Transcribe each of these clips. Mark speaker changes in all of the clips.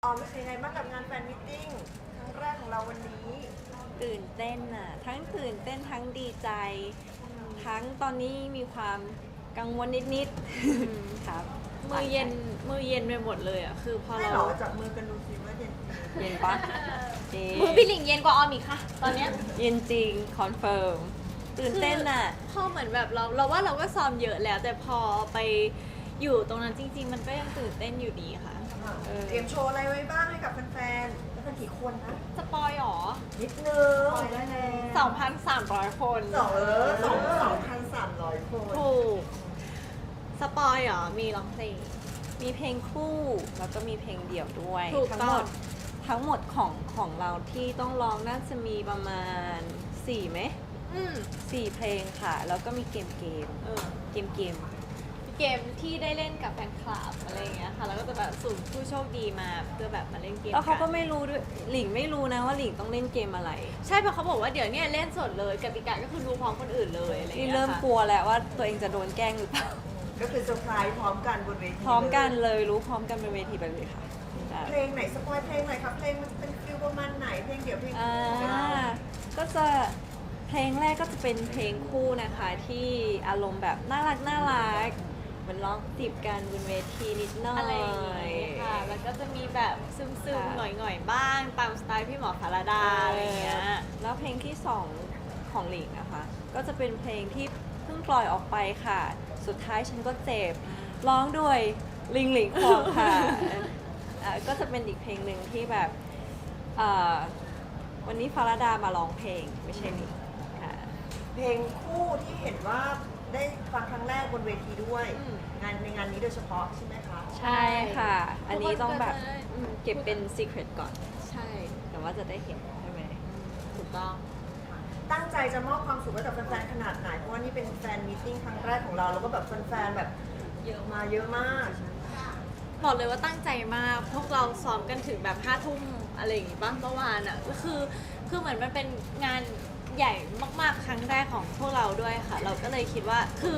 Speaker 1: ออมเป็นยังไงบ้างกับงานแฟนมิทติ้งครั้งแรกของเราวันนี้
Speaker 2: ตื่นเต้นอ่ะทั้งตื่นเต้นทั้งดีใจ ทั้งตอนนี้มีความกังวลนิดๆครับ
Speaker 3: มือเย็นไปหมดเลยอ่ะคือพอ
Speaker 1: ให้
Speaker 3: เรา
Speaker 1: หรอจับมือกันดูสิว่าเย็น
Speaker 2: เย็นปะเย็
Speaker 3: มือพี่หลิงเย็นกว่าออมอีกค่ะ ตอนเนี้ย
Speaker 2: เย็นจริงคอนเฟิร์มตื่นเต้นอ่ะ
Speaker 3: พอเหมือนแบบเราว่าเราก็ซ้อมเยอะแล้ว แต่พอไปอยู่ตรงนั้นจริง ๆ มันก็ยังตื่นเต้นอยู่ดีค่ะ
Speaker 1: เตรียมโชว์อะไรไว้บ้างให้กับแฟนๆแล้วกันกี่คนนะ
Speaker 3: สปอยหรอ
Speaker 1: นิดนึงปล่อยได้แล้ว
Speaker 3: 2,300 คน
Speaker 1: 2,300 คน
Speaker 3: ถูกสปอยหรอมีร้องเพลง
Speaker 2: มีเพลงคู่แล้วก็มีเพลงเดี่ยวด้วย
Speaker 3: ถูก
Speaker 2: ทั้
Speaker 3: ต้อง
Speaker 2: หมดของเราที่ต้องร้องน่าจะมีประมาณ4ไหม
Speaker 3: อืม
Speaker 2: 4เพลงค่ะ แล้วก็มีเกม
Speaker 3: เออ
Speaker 2: เกม
Speaker 3: เกมที่ได้เล่นกับแฟนคลับอะไรอย่างเงี้ยค่ะ แล้วก็จะแบบสุ่มผู้โชคดีมาเพื่อแบบมาเล่นเกม
Speaker 2: แล้วเขาก็
Speaker 3: น
Speaker 2: ไม่รู้ด้วยหลิงไม่รู้นะว่าหลิงต้องเล่นเกมอะไร
Speaker 3: ใช่เพราะเขาบอกว่าเดี๋ยวเนี้เล่นสดเลยกติกาก็คือดูพร้อมคนอื่นเลยอะไรอย่าง
Speaker 2: นี่
Speaker 3: เงี้ย
Speaker 2: เริ่ม
Speaker 3: ค่ะ
Speaker 2: กลัวแล้วว่าตัวเองจะโดนแกล้งหรือเปล่า
Speaker 1: ก็คือเซอร์ไพรส์พร้อมกันบนเวที
Speaker 2: พร้อมกันเลยรู้พร้อมกันเป็นเวทีไปเลยค่ะ
Speaker 1: เพลงไหนสปอยเพลงไหนครับเพลงมันจะเป็นฟิลประมาณไหนเพลงเดี่ยวเพลง
Speaker 2: อ่า
Speaker 1: คู่
Speaker 2: ก็จะเพลงแรกก็จะเป็นเพลงคู่นะคะ ที่อารมณ์แบบน่ารักเหมือนร้องจีบกันบนเวทีนิดหน่อย
Speaker 3: อะไรอย่างเงี้ยค่ะ แล้วก็จะมีแบบซึม
Speaker 2: ค่ะ
Speaker 3: ๆหน่อยๆบ้าง ตามสไตล์พี่หมอพาราดาอะไรอย่างเงี้ย
Speaker 2: แล้วเพลงที่สองของหลิงนะคะ ก็จะเป็นเพลงที่เพิ่งปล่อยออกไปค่ะ สุดท้ายฉันก็เจ็บร้องด้วยหลิงควงค่ะ ก็จะเป็นอีกเพลงหนึ่งที่แบบอ่าวันนี้ฟาราดามาร้องเพลงไม่ใช่หลิงค่ะ
Speaker 1: เพลงคู่ที่เห็นว่าได้ฟังครั้งแรกบนเวทีด้วย
Speaker 3: อืม
Speaker 1: ในงานนี้โดยเฉพาะใช่ไหมคะ
Speaker 2: ใช่ค่ะ อันนี้ต้องแบบ
Speaker 3: ทุกคนก็จะ
Speaker 2: เก็บเป็น secret ก่อน
Speaker 3: ใช่
Speaker 2: แต่ว่าจะได้เห็นใช่ไหม
Speaker 3: ถูกต้อง
Speaker 1: ตั้งใจจะมอบความสุขให้กับแฟนๆขนาดไหน เพราะว่านี่เป็นแฟนมีตติ้งครั้งแรกของเรา แล้วก็แบบแฟนๆแบบเยอะมาเยอะมาก
Speaker 3: บอกเลยว่าตั้งใจมาก พวกเราซ้อมกันถึงแบบ5 ทุ่มอะไรอย่างงี้บ้างเมื่อวานอ่ะก็คือเหมือนมันเป็นงานใหญ่มากๆครั้งแรกของพวกเราด้วยค่ะ เราก็เลยคิดว่า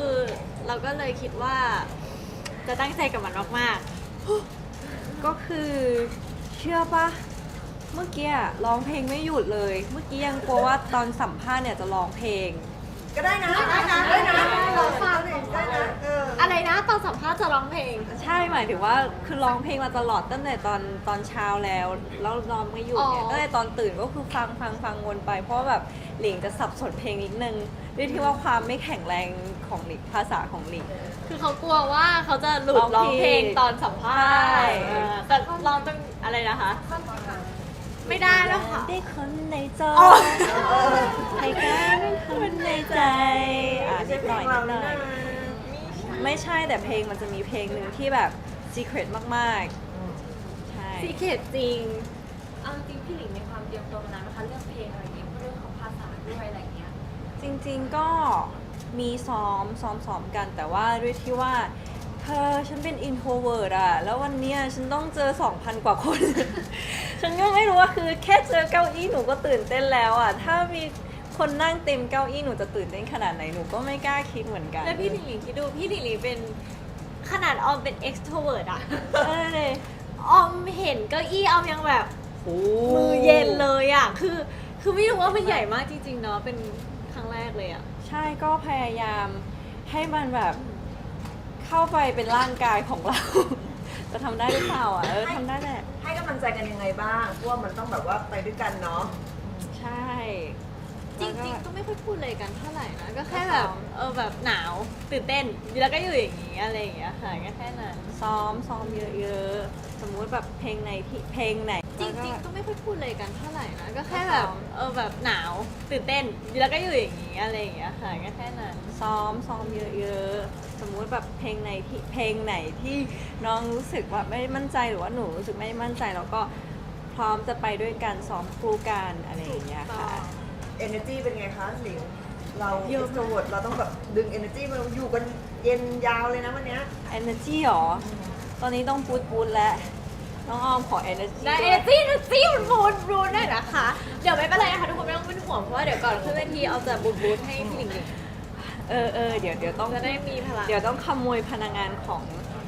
Speaker 3: จะตั้งใจกับมันมาก
Speaker 2: ก็คือเชื่อปะเมื่อกี้อะร้องเพลงไม่หยุดเลย เมื่อกี้ยังกลัวว่าตอนสัมภาษณ์เนี่ยจะร้องเพลง
Speaker 1: ก็ได้นะเราฟังได้นะ
Speaker 3: ๆอะไรนะตอนสัมภาษณ์จะร้องเพลง
Speaker 2: ใช่หมายถึงว่าคือร้องเพลงมาตลอดตั้งแต่ตอนเช้าแล้วร้องไม่หยุดเนี่ย
Speaker 3: อ๋อ
Speaker 2: ตั้งแต่ตอนตื่นก็คือฟังวนไป เพราะว่าแบบหลิงจะสับสนเพลงนิดนึงด้วยที่ว่าความไม่แข็งแรงของหลิงภาษาของหลิง
Speaker 3: คือเขากลัวว่าเขาจะหลุด
Speaker 2: ร้
Speaker 3: ร้
Speaker 2: อ
Speaker 3: อง ง
Speaker 2: ผิด
Speaker 3: เพลงตอนสัมภาษณ์
Speaker 2: ใช่
Speaker 3: แต่ร้องต้องอะไรนะคะ ไม่ได้แล้วค่ะ
Speaker 2: ได้คนในจอ
Speaker 3: อ๋อ
Speaker 2: ให้กันเป็นคนในใจ
Speaker 1: ไม่ใช่
Speaker 2: นิด
Speaker 1: เพ
Speaker 2: ห
Speaker 1: ล
Speaker 2: น่อย
Speaker 1: งเรา
Speaker 2: นิดหน่
Speaker 1: นะ
Speaker 2: อยไม่ใช่แต่เพลงมันจะมีเพลงหนึ่งที่แบบ secret มากๆ ใช่
Speaker 3: ซีเคทจริง
Speaker 4: เอาจริงๆพี่หลิงมีความเตรียมตัวมานานนะคะเรื่องเพลงอะไรอย่างเงี้ยเรื่องของภาษาด้วยอะไรอย่างเงี้ย
Speaker 2: จริงๆก็มีซ้อมกัน แต่ว่าด้วยที่ว่าเธอฉันเป็น introvert อะแล้ววันเนี้ยฉันต้องเจอ 2,000 กว่าคน ฉันก็ไม่รู้ว่าคือแค่เจอเก้าอี้หนูก็ตื่นเต้นแล้วอะถ้ามีคนนั่งเต็มเก้าอี้หนูจะตื่นเต้นขนาดไหนหนูก็ไม่กล้าคิดเหมือนกัน
Speaker 3: แล้วพี่หลิงหลิงคิดดูพี่หลิงหลิงเป็นขนาดออมเป็น extrovert อะ
Speaker 2: เอ้ย
Speaker 3: ออมเห็นเก้าอี้ออมยังแบบ
Speaker 2: โอ้
Speaker 3: มือเย็นเลยอะคือไม่รู้ว่ามันใหญ่มากจริงๆเนาะเป็นครั้งแรกเลยอะ
Speaker 2: ใช่ก็พยายามให้มันแบบเข้าไปเป็นร่างกายของเรา จะทำได้หรือเปล่าอ่ะทำได้แหละ
Speaker 1: ให้กำลังใจกันยังไงบ้างเพราะว่ามันต้องแบบว่าไปด้วยกันเนาะ
Speaker 2: ใช่
Speaker 3: จริง
Speaker 2: แล้ว
Speaker 3: ๆ ก็ไม่ค่อยพูดเลยกันเท่าไหร่นะ ก็แค่แบบแบบหนาวตื่นเต้นแล้วก็อยู่อย่างงี้อะไรอย่างเงี้ยค่ะก็แค่นั้น
Speaker 2: ซ้อมเยอะๆ สมมุติแบบเพลงไหน
Speaker 3: จริง
Speaker 2: แล้ว
Speaker 3: ๆ ก็ไม่ค่อยพูดเลยกันเท่าไหร่นะ ก็แค่แบบแบบหนาวตื่นเต้นแล้วก็อยู่อย่างงี้อะไรอย่างเงี้ยค่ะก็แค่นั้น
Speaker 2: ซ้อมเยอะๆ สมมุติแบบเพลงไหนที่น้องรู้สึกว่าไม่มั่นใจหรือว่าหนูรู้สึกไม่มั่นใจแล้วก็พร้อมจะไปด้วยกันซ้อมคู่กันอะไรอย่างเงี้ยค่ะ
Speaker 1: energy เป็นไงคะหลิงเรา
Speaker 3: เยอะมาก
Speaker 1: extrovert เราต้องแบบดึง energy มาอยู่กันเย็นยาวเลยนะวันเนี้ย
Speaker 2: energy หรอ ตอนนี้ต้องพูดแล้ว น้องออมขอ energy
Speaker 3: ได้
Speaker 2: ด้วย
Speaker 3: เอจี้มันบูนได้นะคะ เดี๋ยวไม่เป็นไรนะคะทุกคนไม่ต้องเป็นห่วงเพราะว่าเดี๋ยวก่อนขึ้นเวทีเอาจะบูนให้พี่หลิง
Speaker 2: เดี๋ยวต้อง
Speaker 3: จะได้มีพลัง
Speaker 2: เดี๋ยวต้องขโมยพนักงานของ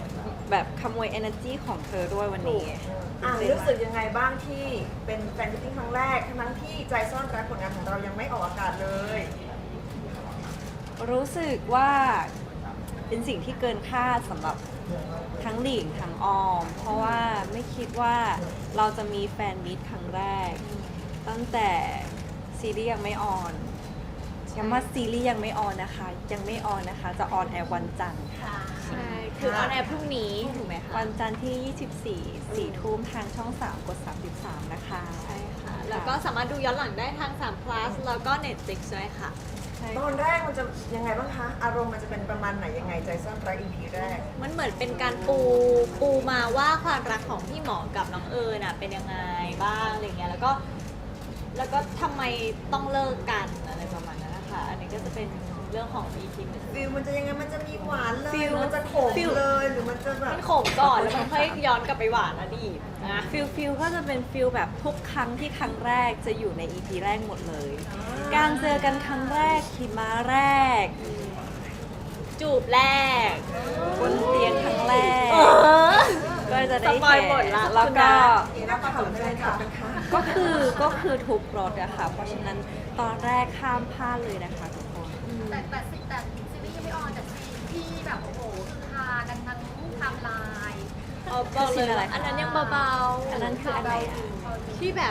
Speaker 2: แบบขโมย energy ของเธอด้วยวันนี้
Speaker 1: รู้สึกยังไงบ้างที่เป็นแฟนมิตติ้งครั้งแรกทั้งที่ใจซ่อนรักผลงานของเรายังไม่ออกอากาศเลย
Speaker 2: รู้สึกว่าเป็นสิ่งที่เกินคาดสำหรับทั้งหลิงทั้งออม เพราะว่าไม่คิดว่าเราจะมีแฟนมิตครั้งแรก ตั้งแต่ซีรีส์ยังไม่ออนย้ำว่าซีรีส์ยังไม่ออนนะคะ ยังไม่ออนนะคะ จะออนแอร์วันจันทร์ค่ะ
Speaker 3: ใช่ คือออนแอร์พรุ่งนี้ถูกไหมคะ
Speaker 2: วันจันทร์ที่ 24 4 ทุ่มทางช่อง 3 กด 33 นะคะ
Speaker 3: ใช่ค่ะ แล้วก็สามารถดูย้อนหลังได้ทาง3 plus แล้วก็ Netflix ด้วยค่ะ
Speaker 2: ใช่
Speaker 1: ตอนแรกมันจะยังไงบ้างคะ อารมณ์มันจะเป็นประมาณไหนยังไงใจซ่อนรัก EP แรก
Speaker 3: มันเหมือนเป็นการปูมาว่าความรักของพี่หมอกับน้องเอิญน่ะเป็นยังไงบ้างอะไรเงี้ยแล้วก็ทำไมต้องเลิกกันอะไรประมาณนั้นนะคะ อันนี้ก็จะเป็นเรื่องของ EP หนึ่ง
Speaker 1: ฟิลมันจะยังไงมันจะมีหวานเลย
Speaker 2: ฟิล
Speaker 1: มันจะขม
Speaker 2: ฟิล
Speaker 1: เลยหรือมันจะแบบ
Speaker 3: มันขมก่อนแล้วมันค่อยย้อนกลับไปหวานอดีตนะ
Speaker 2: ฟิลก็จะเป็นฟิลแบบทุกครั้งที่ครั้งแรกจะอยู่ใน EP แรกหมดเลย การเจอกันครั้งแรกขี่ม้าแรก
Speaker 3: จูบแรก
Speaker 2: บนเตียงครั้งแรก ก็จะได้
Speaker 3: สปอย
Speaker 2: เห็น
Speaker 3: หมดละ
Speaker 2: แล้วก็
Speaker 1: นี่น่าประทับใจค่ะเป็นค่ะ
Speaker 2: ก็คือทุกรถอะค่ะ เพราะฉะนั้นตอนแรกข้ามพลาดเลยนะคะทุกคน
Speaker 4: แต่ซีรีส์ยังไม่ออนแต่ซีนที่แบบโอ้โหคือฮากันทั้งไทม์ไลน์
Speaker 3: เอาบอกเลยว่าอันนั้นยังเบาๆ
Speaker 2: อันนั้นคืออันไหนอะ
Speaker 3: ที่แบบ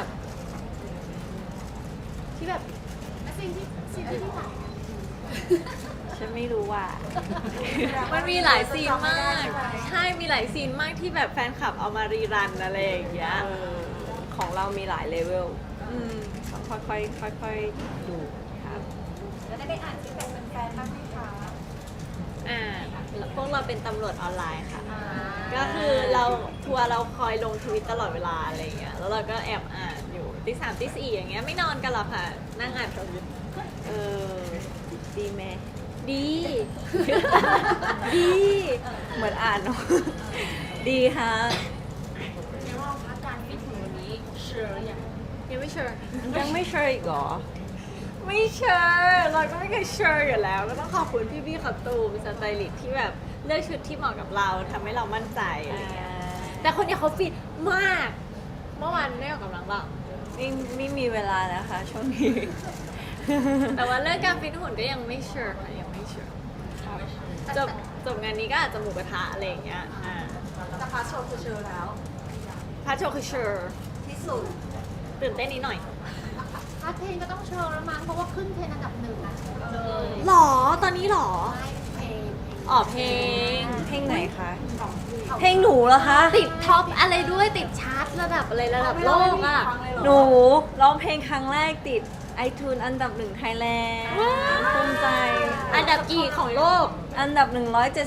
Speaker 4: และซีนที่ถ่าย
Speaker 2: ฉันไม่รู้ว่า
Speaker 3: มันมีหลายซีนมาก ใช่ มีหลายซีนมากที่แบบแฟนคลับเอามารีรันอะไรอย่างเงี้ย
Speaker 2: ของเรามีหลายเลเวลต้องค่อยๆดูครับ
Speaker 4: แล้วได้อ่านฟีดแบ็กแฟนๆบ้างไหมคะ
Speaker 3: พวกเราเป็นตำรวจออนไลน์ค่ะ ก็คือเราทัวร์เราคอยลงทวิตตลอดเวลาอะไรอย่างเงี้ย แล้วเราก็แอบอ่านอยู่ตี 3 ตี 4อย่างเงี้ยไม่นอนกันหรอกค่ะ นั่งอ่านทวิต
Speaker 2: เออ ดีไหม
Speaker 3: ดี ดี
Speaker 2: เหมือนอ่านเนอะ ดีฮะ
Speaker 4: เดี๋ยวเราพักการฟิตถึงวันนี้เชื่ออย่าง
Speaker 3: ยังไม่เชื่อ
Speaker 2: ยังไม่เชื่ออีกเหรอ
Speaker 3: ไม่เชื่อเราก็ไม่เคยเชื่ออยู่แล้ว ก็ต้องขอบคุณพี่ๆขับตูมสไตลิสต์ที่แบบเลือกชุดที่เหมาะกับเราทำให้เรามั่นใจอะไรเงี้ยแต่คนเนี้ยเขาฟิตมาก เมื่อวานได้ออกกำลังเปล่า
Speaker 2: ไม่มีเวลานะคะช่วงนี้
Speaker 3: แต่ว่าเรื่องการฟิตหุ่นก็ยังไม่เชื่อค่ะยังไม่เชื่อจบงานนี้ก็อาจจะหมูกระทะอะไรอย่างเงี้ย
Speaker 1: แต่พาโชว์คือเชอแล้ว
Speaker 3: พาโชว์คือเชื่อ
Speaker 1: ที่สุด
Speaker 3: ตื่นเต้นนิดหน่อย
Speaker 4: พาร์ทเพลงก็ต้องเชิญแล้วมั้งเพราะว่าขึ้นเทรนด์อันดับ1นะเลย
Speaker 3: หรอตอนนี้หรอ
Speaker 4: ไม่เพลง
Speaker 3: อ๋อเพลง
Speaker 2: เพลงไหนคะ เพลงหนูเหรอคะ
Speaker 3: ติดท็อปอะไรด้วยติดชาร์ตระดับอะไรระดับโลกอ่ะ
Speaker 2: หนูร้องเพลงครั้งแรกติด iTunes อันดับ1ไทยแลนด์ภูมิใจ
Speaker 3: อันดับกี่ของโลก
Speaker 2: อันดับ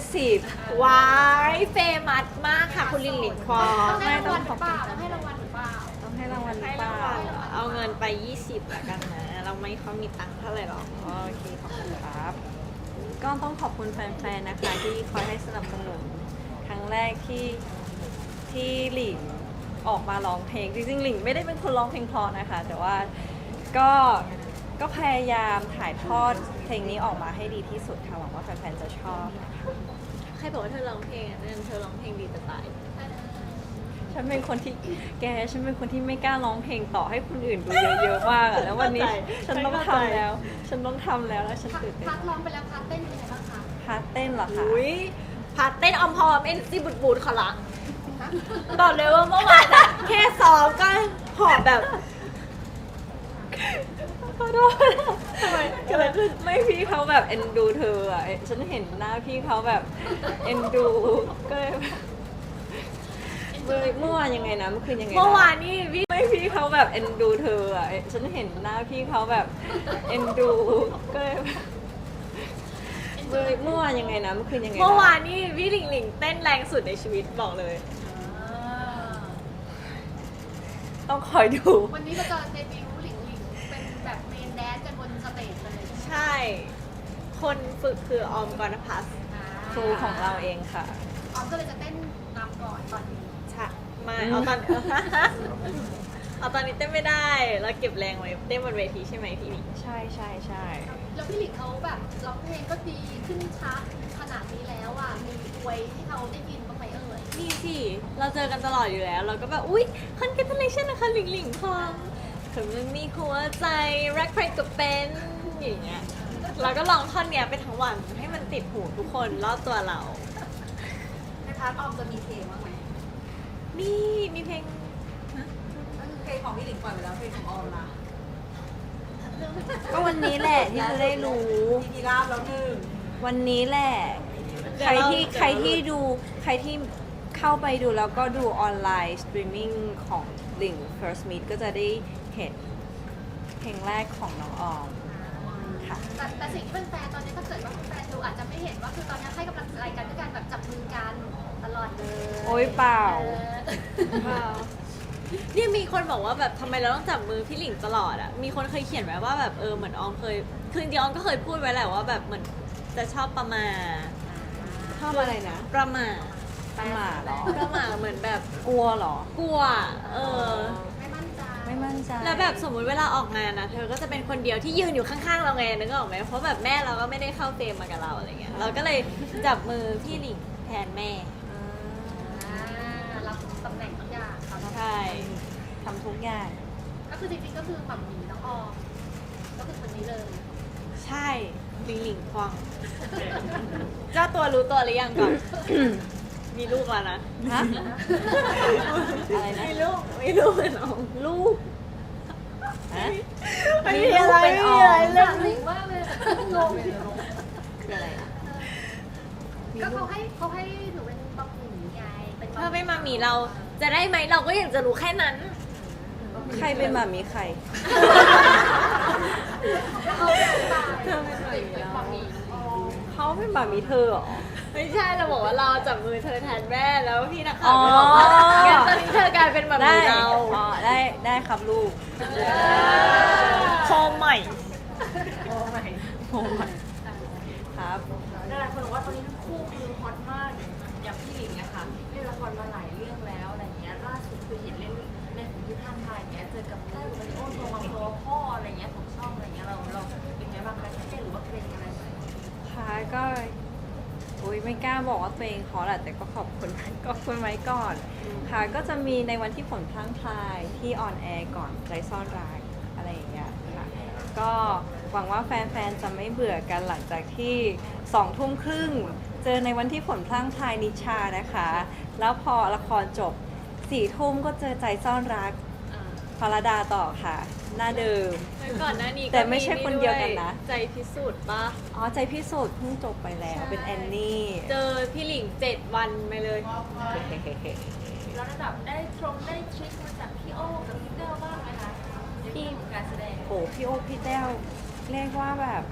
Speaker 2: 170
Speaker 3: ว้ายเฟมัสมากค่ะคุณลิงหลิงควอ
Speaker 4: ต้องให้รางวัลหรือเปล่าต้องให้รางวัลหรือเปล่า
Speaker 2: ต้องให้รางวัลหรื
Speaker 3: ให้
Speaker 2: อเป
Speaker 3: ราง
Speaker 2: ล่า
Speaker 3: วัลเหรอเอาเงินไป 20ละกันนะ เราไม่ค่อยมีตังค์เท่าไหร่หรอก
Speaker 2: โอเค ขอบคุณครับ ก็ต้องขอบคุณแฟนๆ นะคะ ที่คอยให้สนับสนุนครั้งแรกที่หลิงออกมาร้องเพลง จริงๆ หลิงไม่ได้เป็นคนร้องเพลงเพราะนะคะ แต่ว่าก็พยายามถ่ายทอดเพลงนี้ออกมาให้ดีที่สุดค่ะ หวังว่าแฟนๆ จะชอบ
Speaker 3: ใครบอกว่าเธอร้องเพลงอ่ะนั่นเธอร้องเพลงดีจะตาย
Speaker 2: ฉันเป็นคนที่ฉันเป็นคนที่ไม่กล้าร้องเพลงต่อให้คนอื่นดูเยอะๆมากอะแล้ววันนี้ ฉันต้องทำแล้ว ฉันต้องทำแล้วฉันตื่นเต้น
Speaker 4: พาร์ทร้องไปแล้วพาร์ทเต้นเป็นไงบ้างคะ
Speaker 2: พาร์ทเต้นเหรอคะ
Speaker 3: อุ้ยพาเต้นออมพอมเอ็นซีบุดบูดขอละบอกเลยว่าเมื่อวานอะแค่ซ้อมก็หอบแบบ
Speaker 2: ขอโทษทำไมเกิดอะไรขึ้นไม่พี่เขาแบบเอ็นดูเธออ่ะฉันเห็นหน้าพี่เขาแบบเอ็นดูก็เลยแบบเมื่อวานยังไงนะเมื่อคืนยังไงะ
Speaker 3: เมื่อวานนี่พี่
Speaker 2: ไม่พี่เขาแบบเอ็นดูเธออ่ะฉันเห็นหน้าพี่เขาแบบเอ็นดูก็เลยแบบเมื่อวานยังไงนะเมื่อคืนยังไงะ
Speaker 3: เมื่อวานนี่พี่หลิงหลิงเต้นแรงสุดในชีวิตบอกเลย
Speaker 2: ต้องคอยดู
Speaker 4: วันนี้เราจะเดบิวต์หลิงเป็นแบบเมนแดนซ์กันบนสเตจเลย
Speaker 3: ใช่ คนฝึกคือออมกรณพัฒน์
Speaker 2: ครูของเราเองค่ะ
Speaker 4: ออมก็เลยจะเต้นนำก่อนตอนนี้
Speaker 3: ใช่มาเอาตอน เอาตอนนี้เต้นไม่ได้ แล้วเก็บแรงไว้เต้นบนเวทีใช่ไหมพี่หลิง
Speaker 2: ใช่ใช่ใช่
Speaker 4: แล้วพี่หลิงเขาแบบร้องเพลงก็ดีขึ้นชาร์ตขนาดนี้แล้วอ่ะมีอวยให้เขาได้ยินบ้างไหมเอ่ย
Speaker 3: มีสิเราเจอกันตลอดอยู่แล้ว เราก็แบบอุ๊ย congratulation นะคะหลิงหลิงคองถึงมันมีหัวใจรักใครก็เป็นอย่างเงี้ยเราก็ลองท่อนเนี้ยไปทั้งวันให้มันติดหูทุกคนรอบตัวเรา
Speaker 4: ในพาร์ทออมจะมีเพลงบ้างไหม
Speaker 3: มีเพลง
Speaker 4: เพลงของพี่หลิงปล่อยไปแล้วเพลงของออมล่ะ
Speaker 2: ก็วันนี้แหละที่จะได้รู้
Speaker 1: มีราบแล้วหนึ่ง
Speaker 2: วันนี้แหละ ใครที่ใครที่เข้าไปดูแล้วก็ดูออนไลน์สตรีมมิ่งของลิง First Meet ก็จะได้เห็นเพลงแรกของน้องออมค่ะ
Speaker 5: แต่สิ่งที่เป็นแฟนตอนนี้ถ้าเกิดว่าแฟนดูอาจจะไม่เห็นว่าคือตอนนี้ให้กำลังใจกันด้วยการแบบจับมือกันตลอดเลย
Speaker 2: โอ๊ยเปล่า
Speaker 3: เนี่ยมีคนบอกว่าแบบทำไมเราต้องจับมือพี่หลิงตลอดอ่ะ มีคนเคยเขียนไว้ว่าแบบเหมือนออมเคย คือจริงๆออมก็เคยพูดไว้แหละว่าแบบเหมือนจะชอบประมาท
Speaker 2: ชอบอะไรนะ
Speaker 3: ประมาท
Speaker 2: ประมาทเหรอ
Speaker 3: ประมาทเหมือนแบบ
Speaker 2: กลัวเหรอ
Speaker 3: กลัว
Speaker 5: ไม่มั่นใจ
Speaker 2: ไม่มั่นใจ
Speaker 3: แล้วแบบสมมุติเวลาออกงานนะเธอก็จะเป็นคนเดียวที่ยืนอยู่ข้างๆเราไงนึกออกไหมเพราะแบบแม่เราก็ไม่ได้เข้าเฟรมมากับเราอะไรเงี้ย เราก็เลยจับมือพี่หลิงแทนแม่
Speaker 5: รับตำแหน่งทุกอย่างครับ
Speaker 3: ใช่
Speaker 2: ทำทุกอย่าง
Speaker 5: ก็คือจริงๆก็คือหม่ำหมีน้องออมก็คือคนนี้เลย
Speaker 3: ใช่หลิงหลิงควงเจ้าตัวรู้ตัวหรือยังก่อน มีลูกแล้วนะ
Speaker 2: ฮะ อะไรนะ
Speaker 3: มีลูกเป็นน้อง
Speaker 2: ลูกฮะ
Speaker 3: ไม่มีอะไร
Speaker 2: เป็น
Speaker 3: ไม่
Speaker 2: อ
Speaker 3: มี
Speaker 2: อ
Speaker 3: อะไร
Speaker 2: ม
Speaker 3: เรื่อง
Speaker 5: หลิงมากเลยงง
Speaker 2: คืออะไรอะ
Speaker 5: ก็เขาให้หนูเป็นบะหมี่ไงเป็น
Speaker 3: ถ้าไม่มามีเราจะได้ไหมเราก็อยากจะรู้แค่นั้น
Speaker 2: ใครเป็นหมามีใคร
Speaker 5: เขาเป็นบะ
Speaker 3: เธอเป็นหมามี
Speaker 5: หมี่
Speaker 2: เขาเป็นหมามีเธอเหรอ
Speaker 3: ไม่ใช่เราบอกว่าเราจับมือเธอแทนแม่แล้วพี่นักข่า
Speaker 2: อ๋
Speaker 3: ว
Speaker 2: อ
Speaker 3: ก็บอกว่างั้นตอนนี้เธอกลายเป็นหมา
Speaker 2: ได้
Speaker 3: มีเรา
Speaker 2: อ๋อได้ครับลูก
Speaker 3: โคมใหม่
Speaker 2: โอ้ไม่ครับ
Speaker 4: หลายคนบอกว่าตอนนี้ทั้งคู่คือฮอตมากอย่างพี่หลิงอะค่ะเล่นละครมาหลายเรื่องแล้วอะไรเงี้ยล่าสุดคือเห็นเล่นในของที่ท่านไทยเงี้ยเจอกับแต้วมาริโอโทมังโซพ่ออะไรเงี้ยของช่องอะไรเงี้ยเราเป็นไงบ้างคะเครียดหรือว่าเกรงอะไรไหม
Speaker 2: ค่ะก็อุ้ยไม่กล้าบอกว่าตัวเองขอแหละแต่ก็ขอบคุณไว้ก่อน ค่ะก็จะมีในวันที่ฝนพลั่งพลายที่ออนแอร์ก่อนใจซ่อนรักอะไรอย่างเงี้ยค่ะก็หวังว่าแฟนๆจะไม่เบื่อกันหลังจากที่2 ทุ่มครึ่งเจอในวันที่ฝนพลั่งพลายนิชานะคะ แล้วพอละครจบ4 ทุ่มก็เจอใจซ่อนรักพรดาต่อค่ะ หน้าเดิม
Speaker 3: ก่อนหน้านี้ก็
Speaker 2: แต่ไม่ใช่คนเดียวกันนะ
Speaker 3: ใจพิสูจน์ปะ
Speaker 2: อ๋อใจพิสูจน์เพิ่งจบไปแล้วเป็นแอนนี่
Speaker 3: เจอพี่หลิง7 วันไปเลย
Speaker 4: แล้วระดับได้ทริคมาจากพี่โอ้กับพี่เต้าบ้างไหมคะในเรื่องของการแสดง
Speaker 2: โอ้พี่โอพี่แต้วเรียกว่าแบบ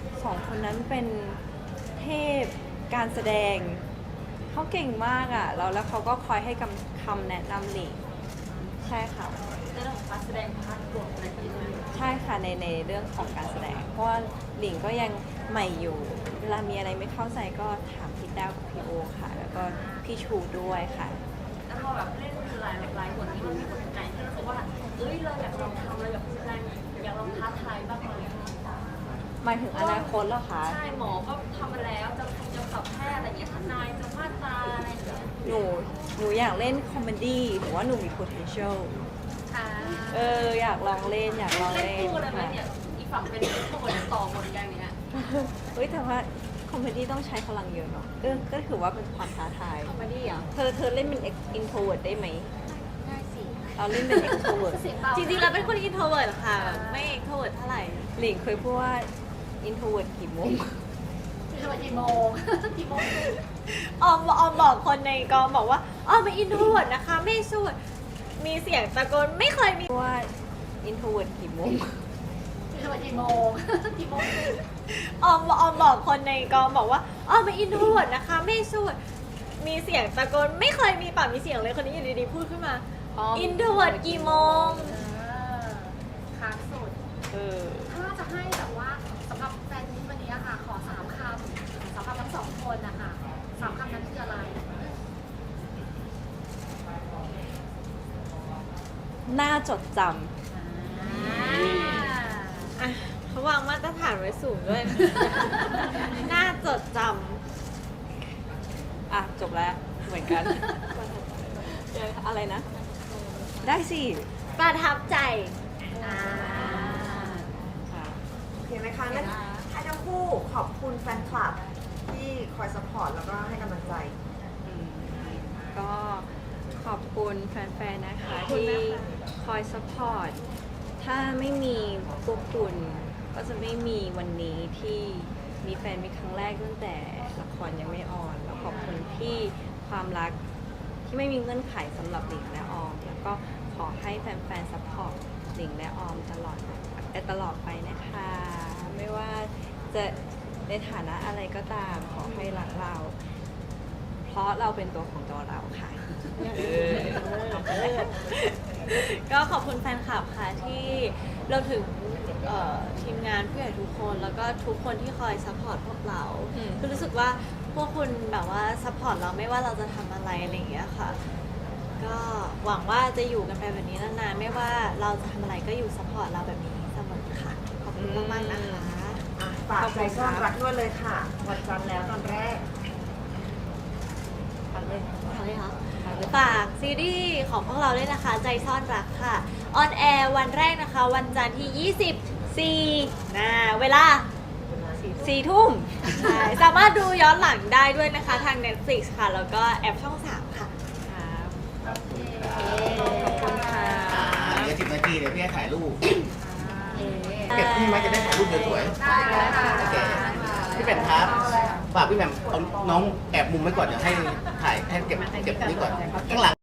Speaker 2: 2 คนนั้นเป็นเทพการแสดงเขาเก่งมากอ่ะแล้วเขาก็คอยให้คำแนะนำหลิงใช่ค่ะ
Speaker 4: ในเรื่องของการแสดงพาร์ทบทอะไรที่เลย
Speaker 2: ใช่ค่ะในเรื่องของการแสดง เพราะว่าหลิงก็ยังใหม่อยู่ เวลามีอะไรไม่เข้าใจก็ถามพี่แต้วกับพี่โอค่ะ แล้วก็พี่ชูด้วยค่ะ
Speaker 4: แล้วพอแบบเล่นหลายบทนี้มันมีบทไหนที่รู้สึกว่าเอ้ยเราอยากลองทำเราอยากแสดงอยากลองท้าทายบ้างไหม
Speaker 2: หมายถึงอนาคตเหรอคะ
Speaker 4: ใช่หมอก็ทำมาแล้วจะสับแพทย์อะไรเงี้ยทนายจะมาตราอะไรอย่างเงี้ย
Speaker 2: หนูอยากเล่นคอมเมดี้หรือว่าหนูมี potential อยากลองเล่นอยากลอง
Speaker 4: เล่น
Speaker 2: เล่น
Speaker 4: คู่เลยไหม
Speaker 2: ค่ะ
Speaker 4: เนี่ยอีกฝั่งเป็นบทต่อบทอย่างเงี้ย
Speaker 2: เฮ้ยแต่ว่าคอมเมดี้ต้องใช้พลังเยอะเนาะก็ถือว่าเป็นความท้าทาย
Speaker 3: คอมเมดี้เหรอ
Speaker 2: เธอเล่นเป็น introvert ได้ไหม
Speaker 5: ได้สิ
Speaker 2: เราเล่นเป็น extrovert
Speaker 5: เสียงเบา
Speaker 3: จริงๆเราเป็นคน introvert ค่ะแบบไม่ extrovert เท่าไหร่
Speaker 2: หลิงเคยพูดว่า introvert กี่โมง
Speaker 5: คือวันกี่โมงกี่โมง
Speaker 3: ออมบอกคนในกองบอกว่าออมเป็น introvert นะคะไม่สู้มีเสียงตะโกนไม่เคยมี
Speaker 2: ว่า introvert กี่โมง
Speaker 5: คือวันกี่โมงกี่โมง
Speaker 3: ออมบอกคนในกองบอกว่าออมเป็น introvert นะคะไม่สู้มีเสียงตะโกนไม่เคยมีปากมีเสียงเลยคนนี้อยู่ดีๆพูดขึ้นมา introvert กี่โมง
Speaker 5: ค้างสุด ถ้าจะให้แบบว่าสำหรับแฟนนี้วันนี้อะค่ะ ขอ3 คำสำหรับทั้ง2 คนนะคะ3 คำนั้นคืออะไร
Speaker 2: น่าจดจ
Speaker 3: อ่ะเขาวางมาตรฐานไว้สูงด้วย น่าจดจ
Speaker 2: ำอ่ะจบแล้วเหมือนกัน
Speaker 3: ำ
Speaker 2: อะไรนะ ได้สิ
Speaker 3: ประทับใจ
Speaker 2: ค่ะ
Speaker 1: โอเคไหมคะงั้นให้ทั้งคู่ขอบคุณแฟนคลับที่คอยสปอร์ตแล้วก็ให้กำลังใจ
Speaker 2: ก็ขอบคุณแฟนๆ นะคะที่คอยสปอร์ต ถ้าไม่มีพวกคุณก็จะไม่มีวันนี้ที่มีแฟนมีครั้งแรกตั้งแต่ละครยังไม่ออน แล้วขอบคุณที่ความรักที่ไม่มีเงื่อนไขสำหรับหลิงและออม แล้วก็ขอให้แฟนๆ สปอร์ตหลิงและออมตลอดไปนะคะ ไม่ว่าจะในฐานะอะไรก็ตามขอให้รักเรา เพราะเราเป็นตัวของตัวเราค่ะ
Speaker 3: ก็ขอบคุณแฟนคลับค่ะที่เราถึงทีมงานผู้ใหญ่ทุกคน แล้วก็ทุกคนที่คอยซัพพอร์ตพวกเรา
Speaker 2: อืม
Speaker 3: คือรู้สึกว่าพวกคุณแบบว่าซัพพอร์ตเราไม่ว่าเราจะทำอะไรอะไรอย่างเงี้ยค่ะ ก็หวังว่าจะอยู่กันไปแบบนี้นานๆไม่ว่าเราจะทำอะไรก็อยู่ซัพพอร์ตเราแบบนี้เสมอค่ะ ขอบคุณมากๆนะคะ
Speaker 1: อ่ะฝากใจซ่อนรักด้วยเลยค่ะ วันจันทร์แล้วตอนแรก
Speaker 3: ฝากซีรีส์ของพวกเราด้วยนะคะ ใจซ่อนรักค่ะ ออนแอร์วันแรกนะคะ วันจันทร์ที่ 24เวลา
Speaker 2: 4 ทุ่ม
Speaker 3: ใช่สามารถดูย้อนหลังได้ด้วยนะคะทาง Netflix ค่ะ แล้วก็แอปช่อง 3 ค่ะ
Speaker 2: ครับ
Speaker 5: โอเค
Speaker 2: ขอบคุณค่ะ
Speaker 6: เหลือ10 นาทีเดี๋ยวพี่ให้ถ่ายรูป
Speaker 2: อ่า
Speaker 6: เก็บพี่ไหมจะได้ถ่ายรูปสวย
Speaker 5: ได้เลยค่ะ
Speaker 6: ๆโอเคพี่แหม่มครับฝากพี่แหม่มเอาน้องแอบมุมไว้ก่อนเดี๋ยวให้ถ่ายให้เก็บนี้ก่อนข้างหลัง